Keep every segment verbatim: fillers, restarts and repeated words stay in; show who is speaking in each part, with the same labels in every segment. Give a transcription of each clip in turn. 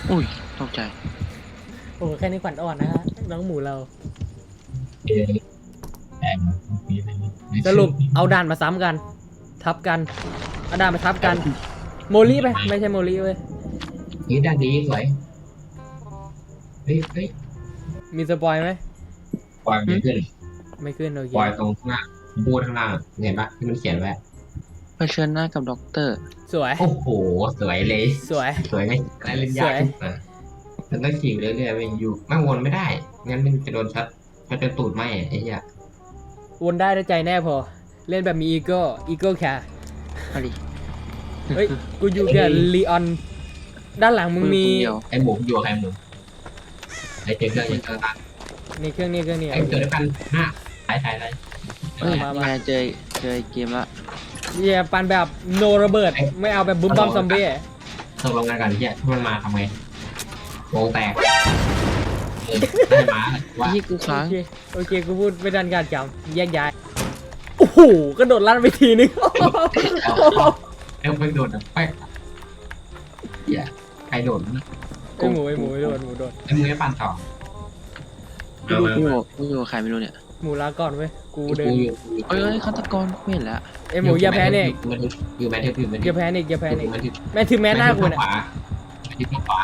Speaker 1: อุ้ยตกใจ
Speaker 2: โอ้แค่นี้ขวัญอ่อนนะฮะน้องหมูเราสรุปเอาด่านมาซ้ำกันทับกันเอาด่านมาทับกันโมลี่ไปไม่ใช่โมลี่เว้ย
Speaker 3: นี่ด้านดีสวยเฮ้ยเฮ้ย
Speaker 2: มีสปอยไหม
Speaker 3: ปล่อยไม่ขึ้น
Speaker 2: ไม่ขึ้นโอเค
Speaker 3: ปล่อยตรงข้างหน้าบูดข้างล่างเห็นปะที่มันเขียนไว้
Speaker 1: เผชิญหน้ากับด็อกเตอร์
Speaker 2: สวย
Speaker 3: โอ้โหสวยเลย
Speaker 2: สวย
Speaker 3: สวยไหมอะไรเล่นยากนะมันต้องขี่เรื่อยๆไปอยู่ไม่วนไม่ได้งั้นมันจะโดนชัดชัดจนตูดไหมไอ้เหี้ย
Speaker 2: วนได้ด้วยใจแน่พอเล่นแบบมีอีโก้อีโก้แค่
Speaker 1: อะไร
Speaker 2: เฮ้ยกูอยู่กับลีออนด้านหลังมึงมี
Speaker 3: ไอ้หมูอยู่ใครหมูไอ้เจอเครื่องยังเจอกัน
Speaker 2: นี่เครื่องนี้เครื่องนี้
Speaker 3: ไอ้เจอด้วยกันห้าถ่ายถ่ายอะไร
Speaker 1: เฮ้ยมาเจอเจอเกมละ
Speaker 2: เย่ปันแบบโนระเบิดไม่เอาแบบบุ้มบอมซอมบี้
Speaker 3: ตกลงกันกันเฮียถ้ามันมาทำไงโงแตกได้มาว่า
Speaker 1: ที่กูค้าง
Speaker 2: โอเคกูพูดไม่ดันการจำแยกย้ายโอ้โหกระโดดลั่นไปทีนึง
Speaker 3: เอ้าไปโดดอ่ะไปเฮียใครโดดนะ
Speaker 2: ไอหมูไอหมูโดดหมูโดด
Speaker 3: ไอหมูไม่ปั่นต่อ
Speaker 1: กูกูกูอยู่ใครไม่รู้เนี่ย
Speaker 2: หมูลาก่อนเว้ยกูเดิน
Speaker 1: เอ้ยฆาตกรไม่เห็นแล้ว
Speaker 2: ไอหมูอย่าแพ้เนี่ย
Speaker 3: อยู่แมทเทอร์อยู่แมทเทอร์
Speaker 2: อย่าแพ้เนี่ยอย่าแพ้เนี่ยแม่ถึงแม่หน้ากูเนี่ย
Speaker 3: ที่ขวา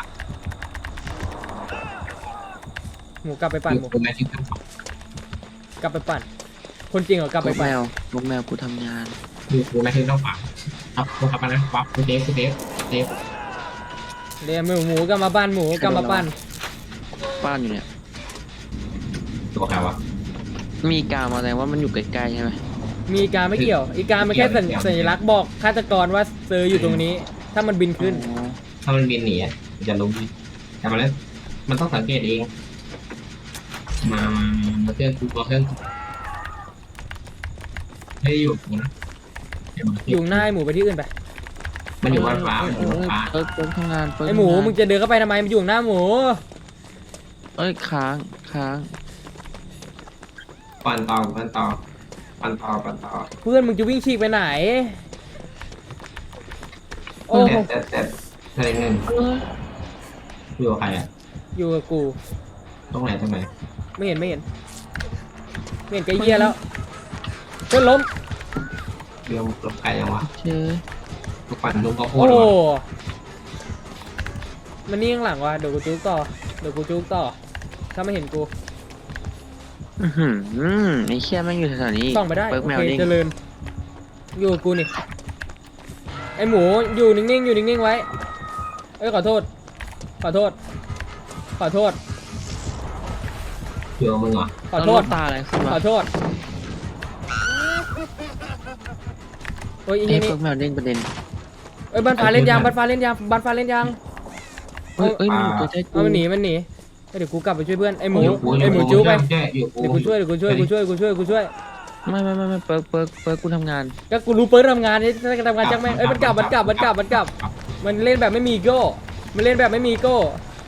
Speaker 2: หมูกลับไปปั่นหมูกลับไปปั่นคนจริงเหรอกลับไปปั่น
Speaker 1: ลูกแมวกูทำงาน
Speaker 3: อยู่กูแมทเทอร์ต้องขวาครับกูขับไปนะปั๊บกูเดฟกูเดฟเดฟ
Speaker 2: เดี๋ยวหมูหมูกลับมาปั่นหมูกลับมาปั่น
Speaker 1: ปั่นอยู่เนี่ย
Speaker 3: ตัวใครวะ
Speaker 1: มีกามาแสดงว่ามันอยู่ใกล้ๆใช่ไหม
Speaker 2: มีกาไม่เกี่ยวอีกามันแค่สัญลักษณ์บอกฆาตกรว่าเซอร์อยู่ตรงนี้ถ้ามันบินขึ้น
Speaker 3: ถ้ามันบินหนีจะล้มแต่มาแล้วมันต้องสังเกตเองมามาเครื่องกูตัวเครื่องไม่อยู่นะ
Speaker 2: อยู่หน้าไอหมูไปที่อื่นไป
Speaker 3: มันอยู่บนฟ้ามันอยู่บนฟ้า
Speaker 1: เปิดเปิดทำงาน
Speaker 2: ไอหมูมึงจะเดินเข้าไปทำไมมันอยู่หน้าหมู
Speaker 1: เอ้ยค้างค้าง
Speaker 3: ปั่นต่อปั่นต่อปั่นต่อปั่นต่อ
Speaker 2: เพื่อนมึงจะวิ่งฉีกไปไหน
Speaker 3: โอ้แต่แต่แต่หนึ่งอยู่กับใครอ่ะ
Speaker 2: อยู่กับกู
Speaker 3: ตรงไหนตรงไหน
Speaker 2: ไม่เห็นไม่เห็นไม่เห็นไกลเยี่ยแล้วเพื่อนล้ม
Speaker 3: เดี๋ยวหลบไกลยังวะ
Speaker 1: เชื่อ
Speaker 3: ลูกปั่นลูกก็โคตร
Speaker 2: โอ้มันนี่ข้างหลังวะเดี๋ยวกูจุกต่อเดี๋ยวกูจุกต่อถ้าไม่เห็นกู
Speaker 1: อืมไอ้เชี่ยแม่งอยู่แถวนี้
Speaker 2: ต้องไปได้โอเคเจริญอยู่กูนี่ไอหมูอยู่นิ่งๆอยู่นิ่งๆไว้เอ้ยขอโทษขอโทษขอโทษ
Speaker 3: เดี๋ยวมึงอ่ะ
Speaker 2: ขอโทษ
Speaker 1: ตาอะไร
Speaker 2: ขอโทษโอ้ยอีนี่
Speaker 1: เพิ่งมาเล่นประเด็น
Speaker 2: เอ้ยบันฟ้าเล่นยางบันฟ้าเล่นยางบันฟ้าเล่นยาง
Speaker 1: เอ้ยเอ้ยมันตัวใจกู
Speaker 2: มันหนีมันหนีเดี๋ยวกูกลับไปช่วยเพื่อนไอหมูไอหมูจู๊ไปเดี๋ยวกูช่วยเดี๋ยวกูช่วยกูช่วยกูช่วยกูช่วย
Speaker 1: ไม่ไม่ไม่ไม่เปิร์กเปิร์กเปิร์กกูทำงาน
Speaker 2: ก็กูรู้เปิร์กทำงานนี่ถ้าทำงานจังแม่งเอ้ยมันกลับมันกลับมันกลับมันกลับมันเล่นแบบไม่มีโก้มันเล่นแบบไม่มีโก้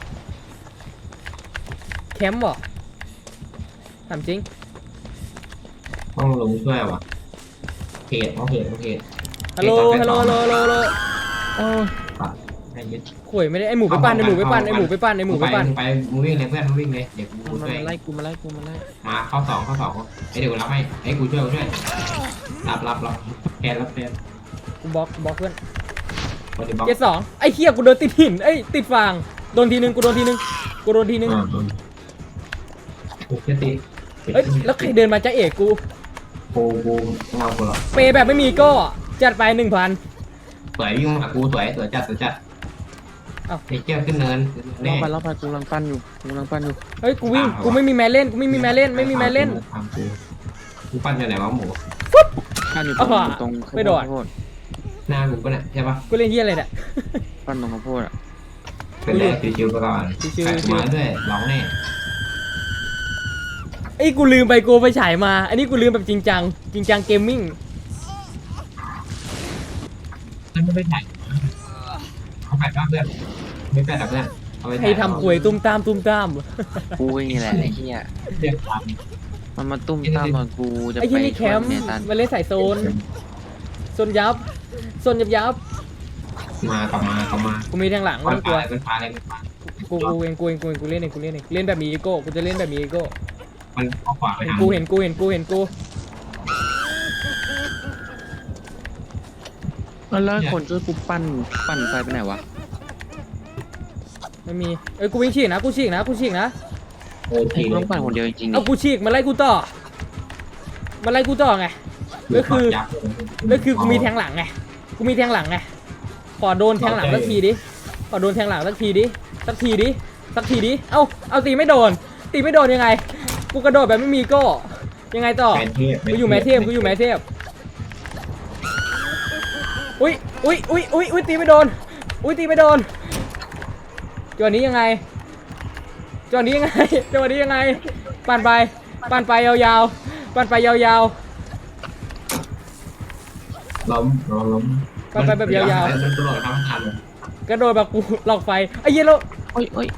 Speaker 2: แคมป์บ่ถามจริง
Speaker 3: ต้องลงช่วยวะเพจต้องเพจต้องเพจ
Speaker 2: ฮัลโหลฮัลโหลฮัลโหลฮัลโหลโอ้ข่วยไม่ได้ไอหมูไปปั่นไอหมูไปปั่นไอหมูไปปั่นไอหมูไปปั่น
Speaker 3: ไปมึงวิ่งเลยเพื่อนมึงวิ่งเลยเดี๋ยวกูช่วย
Speaker 1: มาไล่กูมาไล่กูมาไล่
Speaker 3: มาเข้าสองเข้าสองไอเดี๋ยวรับให้ไอกูช่วยกูช่วยรับรับรับแทนรับแทน
Speaker 2: กูบล็อกบล็อกเพื่อนเจ็ดสองไอเคียกูโดนติดหินไอติดฟางโดนทีนึงกูโดนทีนึงกูโดนทีนึง
Speaker 3: กูแค่ตี
Speaker 2: เอ้ยแล้วใครเดินมาจะเอกกู
Speaker 3: กูกูเงากูหรอ
Speaker 2: เปย์แบบไม่มีก็จัดไปหนึ่งพัน
Speaker 3: สวยวิ่งมากูสวยสวยจัดสวยจัดอ้าวไอ้เจ้าขึ้นเนิน
Speaker 1: รอบไปรอบไปกูกำลังปั้นอยู่กูกำลังปั้นอยู่
Speaker 2: เฮ้ยกูวิ่งกูไม่มีแม่เล่นกูไม่มีแม่เล่นไม่มีแม่เล่น
Speaker 3: กูปั้นอยู่ไหนวะหมู
Speaker 1: ปั้นอยู่ตรงตรง
Speaker 2: ไม่โดด
Speaker 3: หน้ากูก็เนี่ยใช่ปะ
Speaker 2: กูเล่นเฮียอะไรเนี่ย
Speaker 1: ปั้นตรงข้าวโพดอ่ะ
Speaker 3: เป็นแรกชิวๆไปก่อนมาด้วยร้องแน่
Speaker 2: ไอ้กูลืมไปกูไปฉายมาอันนี้กูลืมแบบจริงจังจริงจังเกมมิ่ง
Speaker 3: ไม่ไปถ่ายเขาไปบ้างเพื่อนไม่ไปแต่เพื่อน
Speaker 2: ให้ทำควยตุ้มตามตุ้มตาม
Speaker 1: กูนี่แหละไอ้เหี้ย
Speaker 3: เรียกตาม
Speaker 1: มันมาตุ้มตามตอนกูจะไป
Speaker 2: ไอ้ที่นี่แคมป์มาเล่นสายโซนโซนยับโซนยับยับ
Speaker 3: มากลับมากลับมา
Speaker 2: กูมีทางหลังไม่กลัว
Speaker 3: เป็นฟ้าเลยเป็นฟ้า
Speaker 2: กูกูเองกูเองกูเองกูเล่นเองกูเล่นเองเล่นแบบมีอีโก้กูจะเล่นแบบมีอีโก้
Speaker 3: มันเอาขวาไปทาง
Speaker 2: กูเห็นกูเห็นกูเห็นกู
Speaker 1: แล้วคนช่วยกูปั่นปั่นไฟไปไหนวะ
Speaker 2: ไม่มีเอ้ยกูวิ่งฉีกนะกูฉีกนะกูฉีกนะ
Speaker 3: เออที
Speaker 1: กูต้องปั่นคนเดียวจริงๆ
Speaker 2: เอา
Speaker 1: ดิ
Speaker 2: กูฉีกมาไล่กูต่อมาไล่กูต่อไงก็คือก็คือกูมีแทงหลังไงกูมีแทงหลังไงขอโดนแทงหลังสักทีดิขอโดนแทงหลังสักทีดิสักทีดิสักทีดิเอ้าเอาตีไม่โดนตีไม่โดนยังไงกูกระโดดแบบไม่มีโก้ยังไงต่อกูอยู่แมทเทพกูอยู่แมทเทพอุ้ยอุ้ยอุ้ยอุ้ยอุ้ยตีไม่โดนอุ้ยตีไม่โดนจังหวะนี้ยังไงจังหวะนี้ยังไงจังหวะนี้ยังไงปั่นไปปั่นไปยาวๆปั่นไปยาวๆ
Speaker 3: ล้มล้มล้ม
Speaker 2: ไปไปแบบยาวๆ
Speaker 3: มันตลอดทั้งทัน
Speaker 2: กระโดดแบบกูหลอกไฟไอ้เหี้ยแล้ว
Speaker 1: โอ้ยโอ้ย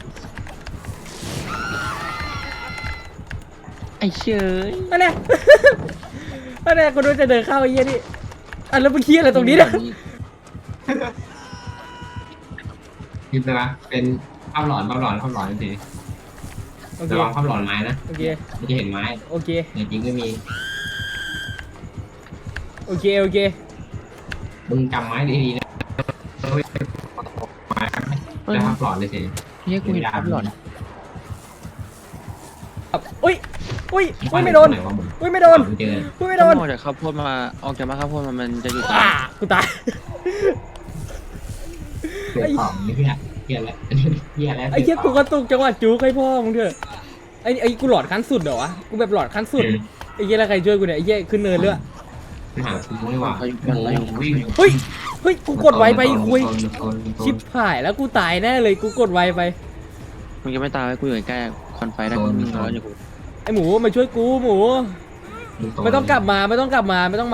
Speaker 1: ไอ้เชย
Speaker 2: นั่นแหละ นั่นแหละกูดูจะเดินเข้าไอ้เหี้ยนี่อ่ะแล้วมึงเหี้ยอะไรตรงนี้เนี่ย
Speaker 3: คิดเลยปะเป็นภาพหลอนภาพหลอนภาพหลอนสิ
Speaker 2: โอเค
Speaker 3: ระวังภาพหลอนไม้นะ
Speaker 2: โอเค
Speaker 3: มันจะเห็นไม้
Speaker 2: โอเค
Speaker 3: แต่จริงก็มี
Speaker 2: โอเคโอเค
Speaker 3: มึงจำไม้ดีๆนะไม้แล้วภาพหลอนเลยสิ
Speaker 1: เฮียกูเห็นภาพหลอน
Speaker 2: อุ้ยอุ้ยอุ้ยไม่โดนอุ้ยไม่โดน
Speaker 3: เจอ
Speaker 2: อุ้ยไม่
Speaker 1: ต้
Speaker 2: โด
Speaker 1: อง
Speaker 2: น
Speaker 1: ออกจากข้าวโพดมาออกจากมาข้าวโพดมามันจะอยู่ตรง
Speaker 2: อ่ากูตาย
Speaker 3: เกิดของนี่พี่ฮะเกียร์แล้วเกียร์แล้ว
Speaker 2: ไอ้เหี้ยกูกระตุกจังหวะจุกให้พ่อมึงเถอะไอ้ไอ้กูหลอดขั้นสุดเหรอวะกูแบบหลอดขั้นสุดไอ้เหี้ยแล้วใครช่วยกูเนี่ยไอ้เหี้ยขึ้นเนินเรื่อย
Speaker 3: หาซื้อไม่ว่าวิ่ง
Speaker 2: เฮ้ยเฮ้ยกูกดไวไปคุยชิปหายแล้วกูตายแน่เลยกูกดไวไป
Speaker 1: มึงจะไม่ตายไว้กูอยู่ใกล้ๆคอนไฟได้กูมึงร้อนอยู่กู
Speaker 2: ไอหมูมาช่วยกูหมูไม่ต้องกลับมาไม่ต้องกลับมาไม่ต้องมา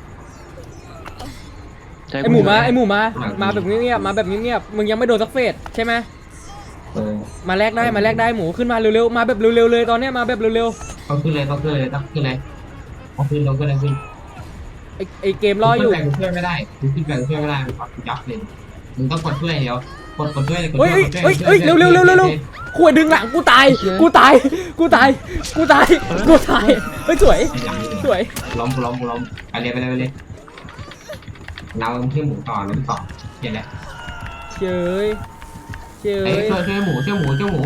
Speaker 1: ใจ
Speaker 2: ไอหมูมาไอหมูมามาแบบเงียบๆมาแบบเงียบๆมึงยังไม่โดนสักเฟสใช่ไหม
Speaker 3: เออ
Speaker 2: มาแลกได้มาแลกได้หมูขึ้นมาเร็วๆมาแบบเร็วๆเลยตอนเนี้ยมาแบบเร็ว
Speaker 3: ต้องขึ้นเลยต้องขึ้นเลยต้องขึ้นเลยต้องขึ้นต้องขึ้นเลยขึ้น
Speaker 2: ๆไอไอเกมรออยู่
Speaker 3: แบ่งช่วยไม่ได้มึงขึ้นแบ่งช่วยไม่ได้มึงปักยับเลยมึงต้องกดช่วยเดี๋ยวกดกดช่วยเลยกด
Speaker 2: เฮ้ย
Speaker 3: ช่วย
Speaker 2: เฮ้ยเฮ้ยเร็วๆเร็วๆเร็วๆขวดดึงหลังกูตายกูตายกูตายกูตายกูตายเฮ้ยสวยสวย
Speaker 3: ล้มล้มล้มไปเลยไปเลยไปเลยเราที่หมูต่อล้มต่อเห็นแล้ว
Speaker 2: เฉยเฉ
Speaker 3: เอ้ย
Speaker 2: ย
Speaker 3: ช่วยช่วยหมูช่วยหมูช่วยหมู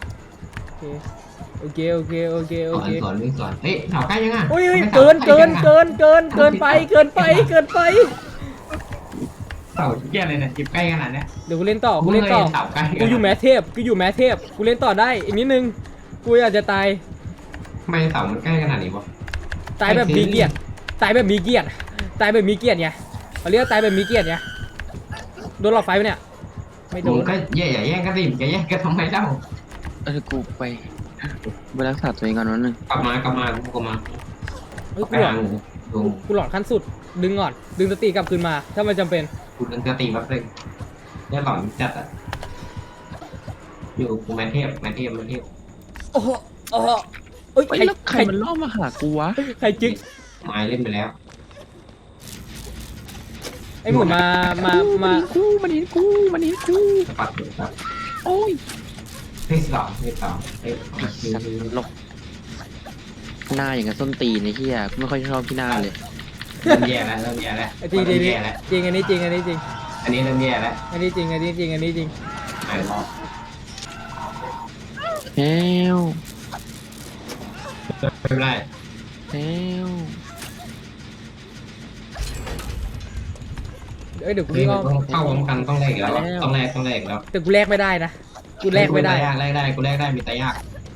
Speaker 2: โอเคโอเคโอเคโอ
Speaker 3: สอน
Speaker 2: เค
Speaker 3: สอนวิ่งสอนเอ้ยแถวใกล้ยังอ่ะ
Speaker 2: อุ้ยเกินเกินเกินเกินเกินไปเกินไปเกินไป
Speaker 3: เสาเกี้ยอะไรเนี่ยจิบใกล้ขนาดเนี้ย
Speaker 2: เดี๋ยวกูเล่นต่อกูเล่นต่อ
Speaker 3: เสาใกล้
Speaker 2: กูอยู่แมทเทพกูอยู่แมทเทพกูเล่นต่อได้อีกนิดนึงกูอาจจะตาย
Speaker 3: ทำไมเสามันใกล้ขนาดนี้วะ
Speaker 2: ตายแบบมีเกียรติตายแบบมีเกียรติตายแบบมีเกียรติไงเขาเรียกว่าตายแบบมีเกียรติไงโดนหลอดไฟปะเนี่ยไม่โด
Speaker 3: มึง
Speaker 2: น
Speaker 3: ก็แย่อย่าแย่งกันสิจะแย่งกันทำไมเล่า
Speaker 1: เออกูไปไปรักษาตัวเองก่อนนิดนึง
Speaker 3: กลับมากลับมากลับมา
Speaker 2: เฮ้ย
Speaker 3: ไป
Speaker 2: กูหลอ
Speaker 3: หา
Speaker 2: ด
Speaker 3: หมูดู
Speaker 2: กูหลอดขั้นสุดดึงก่อนดึงสติกลับคืนมาถ้ามันจำเป็น
Speaker 3: กูนึงจะตีแป๊บนึงเนี่ยหลอนจัดอ่ะอยู่กูแมนเทพแมนเทพแมนเทพ
Speaker 2: โอ้โหโอ้โหเอ้ย
Speaker 1: ไอ้
Speaker 2: ใคร
Speaker 1: แล้วใค
Speaker 2: ใค
Speaker 1: ร
Speaker 2: ร
Speaker 1: มันล่อมาหากูวะ
Speaker 2: ใครจึ๊ก
Speaker 3: ไม้เล่นไปแล้ว
Speaker 2: ไอหมูมามามา
Speaker 1: กูมันเห็นกูมันเห็นกู
Speaker 3: สปัดอยู่ครับ
Speaker 1: โอ้ย
Speaker 3: เฮ้ยสองเฮ้ยสองเฮ้ย
Speaker 1: ไอ้สัตว์หลกหน้าอย่างกับส้นตีนไอ้เหี้ยกูไม่ค่อยชอบที่หน้าเลย
Speaker 3: เริ่มแย่แล้วเริ่มแย่แล้ว
Speaker 2: ไอจริงจริง
Speaker 3: เริ่มแย่แล้ว
Speaker 2: จริงอันนี้จริงอันนี้จริง
Speaker 3: อันนี้เริ่มแย่แล้ว
Speaker 2: อันนี้จริงอันนี้จริงอันนี้จริง
Speaker 3: ไหนรอ
Speaker 1: เฮล
Speaker 3: ไม่เป็นไร
Speaker 1: เฮล
Speaker 2: เอ้ยเดี๋ยวกู
Speaker 3: เฮ้ย
Speaker 2: วิ่ง
Speaker 3: มั
Speaker 2: อ้
Speaker 3: น
Speaker 2: อม
Speaker 3: ต้องเข้าพร้อมกันต้องแลกอีกแล้วอะต้องแลกต้องแลกอีกแล้ว
Speaker 2: แต่กูแลกไม่ได้นะกูแลกไม่ได้
Speaker 3: แลกแลกได้กูแลกได้มีแต่ยาก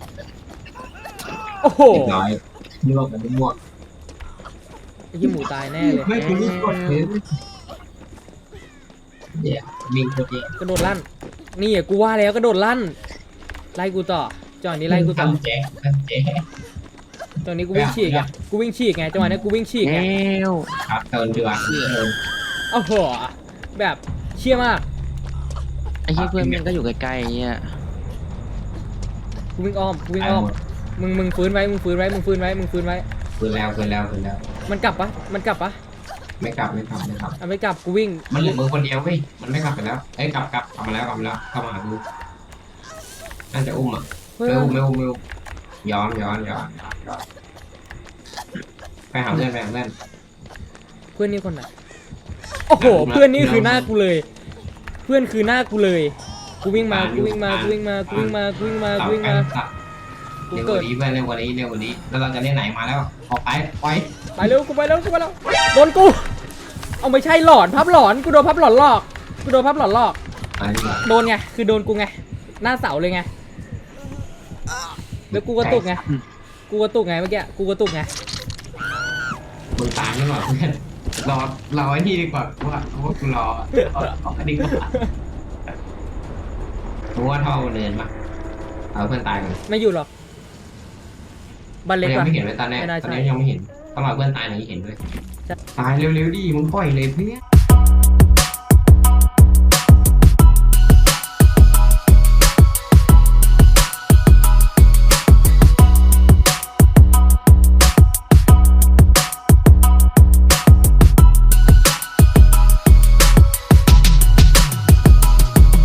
Speaker 2: โอ้โห
Speaker 3: เรียบร้อยยั่วกันมั่ว
Speaker 2: ไอ้ยี่หมูตายแน่เลย
Speaker 3: ไม่กูนี่กดเลยเดี๋ยววิ่งโคตรเยอะ
Speaker 2: กระโดดลั่นนี่อ่ะกูว่าแล้วกระโดดลั่นไล่กูต่อจังหวะนี้ไล่กูต่อ
Speaker 3: ทำแจ๊ทำแจ๊
Speaker 2: จังหวะนี้กูวิ่งฉีกไงกูวิ่งฉีกไงจังหวะนี้กูวิ่งฉีก
Speaker 1: เฮ
Speaker 2: ไง
Speaker 1: ล
Speaker 3: ครับเติมดีกว่าเติม
Speaker 2: โอ้โหแบบเชี่ยมาก
Speaker 1: ไอ้เหี้ยเพื่อนมันก็อยู่ใกล้ๆไอ้เหี้ย
Speaker 2: กูวิ่งอ้อมกูวิ่งอ้อมมึงมึงฟื้นไว้มึงฟื้นไว้มึงฟื้นไว้มึงฟื้นไว้
Speaker 3: คืนแล้วคืนแล้วคืนแล้ว
Speaker 2: มันกลับปะมันกลับปะ
Speaker 3: ไม่กลับไม่กลับไม่กลับ
Speaker 2: อ่ะไม่กลับกูวิ่ง
Speaker 3: มันเหลือมือคนเดียวเว้ยมันไม่กลับไปแล้วเอ้ยกลับกลับกลับมาแล้วกลับมาแล้วเข้ามาหาดูน่าจะอุ้มอ่ะ
Speaker 2: เฮ้ย
Speaker 3: ไม่อุ้มไม่อุ้มไม่อุ้มย้อนย้อนย้อนย้อนย้อนไปหาเพื่อนไปหาเพื่อน
Speaker 2: เพื่อนนี่คนไหนโอ้โหเพื่อนนี่คือหน้ากูเลย เพื่อนคือหน้ากูเลยกูวิ่งมากูวิ่งมากูวิ่งมากูวิ่งมากูวิ่งมากูวิ่งมา
Speaker 3: สับ
Speaker 2: กู
Speaker 3: เร็วก
Speaker 2: เกิด
Speaker 3: ว่านี้เพื่อนเร็วกว่านี้เร็วกว่านี้แล้วเราจะเล่นไหนมาแล้วออกไปไป
Speaker 2: ไปเร็วกูไปเร็วกูไปแล้วโดนกูเอาไม่ใช่หลอนพับหลอนกูโดนพับหลอนหลอกกูโดนพับหลอนหลอก
Speaker 3: อะไรดีกว่า
Speaker 2: โดนไงคือโดนกูไงหน้าเสาเลยไงแล้วกูกระตุกไงกูกระตุกไงเมื่อกี้กูกระตุกไง
Speaker 3: มึงตามดีกว่าเพื่อนรอรอไอ้นี่ดีกว่าว่าว่ากูรอเอาเอาอันนี้ดีกว่าเพราะว่าเท่าเนินปะเอาเพื่อนตายกัน
Speaker 2: ไม่อยู่หรอกบัน
Speaker 3: มั
Speaker 2: เล็
Speaker 3: น
Speaker 2: ก
Speaker 3: ยัง
Speaker 2: ว่ะ
Speaker 3: ไม่เห็นเลยตอนแรก
Speaker 2: ไม่น่า
Speaker 3: ตอน
Speaker 2: ใช่
Speaker 3: นี้ยังไม่เห็นต้องรอเพื่อนตายหน่อยเห็นด้วย
Speaker 2: จะ
Speaker 3: ตายเร็วๆดิมึงปล่อยเลยเพื่อน